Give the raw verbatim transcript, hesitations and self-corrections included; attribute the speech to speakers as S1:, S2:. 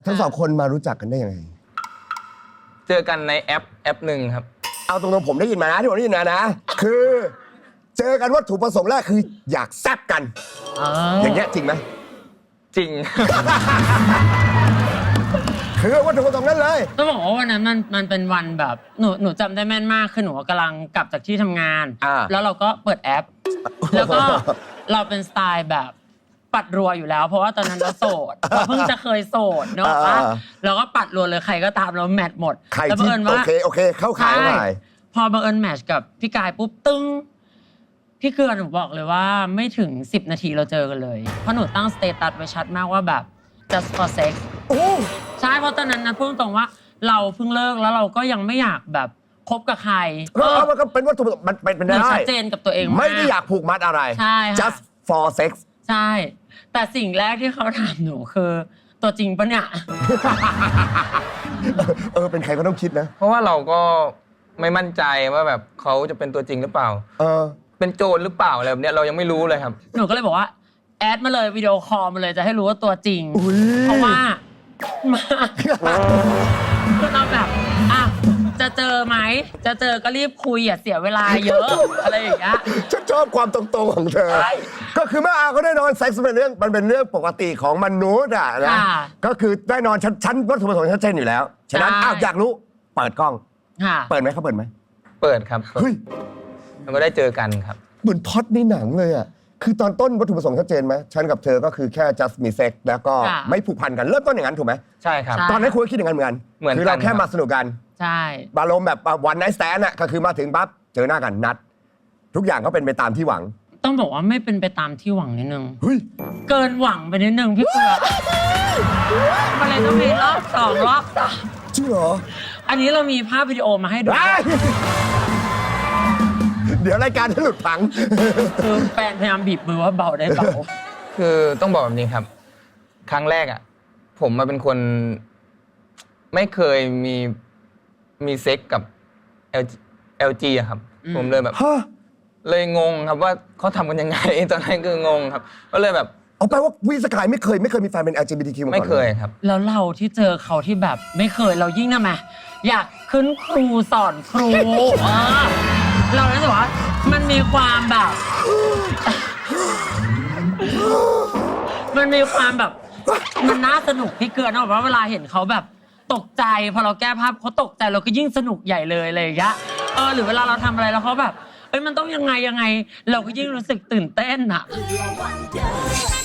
S1: ทั้งสองคนมารู้จักกันได้ยังไง
S2: เจอกันในแอปแอปหนึ่งครับ
S1: เอาตรงๆผมได้ยินมานะที่ผมได้ยินมานะคือเจอกันวัตถุประสงค์แรกคืออยากแซ่บกันอย่างเงี้ยจริงไหม
S2: จริง
S1: คือวัตถุประสงค์นั้นเลย
S3: ต้องบอกว่าวันนั้นมันมันเป็นวันแบบหนูหนูจำได้แม่นมากคือหนูกำลังกลับจากที่ทำงานแล้วเราก็เปิดแอปแล้วก็เราเป็นสไตล์แบบปัดรัวอยู่แล้วเพราะว่าตอนนั้นเราโสดเราเพิ่งจะเคยโสดเนาะเราก็ปัดรัวเลยใครก็ตามเราแมทหมด
S1: แล้วบังเอิญว่าโอเคโอเคเข้าขายหน่อย
S3: พอบังเอิญแมทกับพี่กายปุ๊บตึ้งพี่เกลือหนูบอกเลยว่าไม่ถึงสิบนาทีเราเจอกันเลยเพราะหนูตั้งสเตตัสไว้ชัดมากว่าแบบ just for sex ใช่เพราะตอนนั้นนะพูดตรงว่าเราเพิ่งเลิกแล้วเราก็ยังไม่อยากแบบคบกับใคร
S1: เออมันก็เป็นวัตถุมันเป็นได้
S3: ชัดเจนกับตัวเอง
S1: ไม่ได้อยากผูกมัดอะไร
S3: ใช่
S1: just for sex
S3: ใช่แต่สิ่งแรกที่เขาถามหนูคือตัวจริงปะเนี่ย
S1: เออเป็นใครก็ต้องคิดนะ
S2: เพราะว่าเราก็ไม่มั่นใจว่าแบบเขาจะเป็นตัวจริงหรือเปล่า
S1: เออ
S2: เป็นโจรหรือเปล่าอะไรแบบนี้เรายังไม่รู้เลยครับ
S3: หนูก็เลยบอกว่าแอดมาเลยวิดีโอคอลมาเลยจะให้รู้ว่าตัวจริงเพราะว่ามาคือเราแบบอ่ะจะเจอไหมจะเจอก็รีบคุยอย่าเสียเวลาเยอะอะไรอย่างเงี้ย
S1: ฉันชอบความตรงๆของเธอก็คือเมื่ออาเขาได้นอนเซ็กซ์เป็นเรื่องมันเป็นเรื่องปกติของมนุษย์อ่ะนะก็คือได้นอนชั้นวัตถุประสงค์ชัดเจนอยู่แล้วฉะนั้นอ้าวอยากรู้เปิดกล้องเปิดไหมเขาเปิดไหม
S2: เปิดครับ
S1: เฮ้ย
S2: แล้วก็ได้เจอกันครับ
S1: เหมือนพล็อตในหนังเลยอ่ะคือตอนต้นวัตถุประสงค์ชัดเจนไหมฉันกับเธอก็คือแค่ just มีเซ็กแล้วก็ไม่ผูกพันกันเริ่มต้นอย่างนั้นถูกไหม
S2: ใช่ครับ
S1: ตอนนั้นคุณคิดอย่างนั้นเหมือนกันคือเราแค่มาสนุกกัน
S3: ใช่
S1: บาลมแบบวันไนท์สแตนด์อ่ะก็คือมาถึงปั๊บเจอหน้ากันนัดทุกอย่างก็เป็นไปตามที่หวัง
S3: ต้องบอกว่าไม่เป็นไปตามที่หวังนิดนึง
S1: เฮ้ย
S3: เกินหวังไปนิดนึงพี่เผือกมันเลยต้องมีรอบสองรอบสาม
S1: จริงเหรอ
S3: อันนี้เรามีภาพวิดีโอมาให้ดู
S1: เดี๋ยวรายการจะหลุดพัง
S3: คือแฟนพยายามบีบมือว่าเบาได้เบา
S2: คือต้องบอกแบบนี้ครับครั้งแรกอ่ะผมมาเป็นคนไม่เคยมีมีเซ็กกับ แอล จี อะครับผมเลยแบบเลยงงครับว่าเขาทำกันยังไงตอนนั้นคืองงครับก็เลยแบบ
S1: เอาแปลว่าวีสกายไม่เคยไม่เคยมีแฟนเป็น แอล จี บี ที คิว มาก่อน
S2: ไม่เคยครับ
S3: แล้วเราที่เจอเขาที่แบบไม่เคยเรายิ่งนะแม่อยากขึ้นครูสอนครูเรารู้สึกว่ามันมีความแบบมันมีความแบบมันน่าสนุกพี่เกลือนะว่าเวลาเห็นเขาแบบตกใจพอเราแก้ภาพเขาตกใจเราก็ยิ่งสนุกใหญ่เลยอะไรอย่างเงี้ยเออหรือเวลาเราทำอะไรแล้วเขาแบบเอ้ยมันต้องยังไงยังไงเราก็ยิ่งรู้สึกตื่นเต้นอะ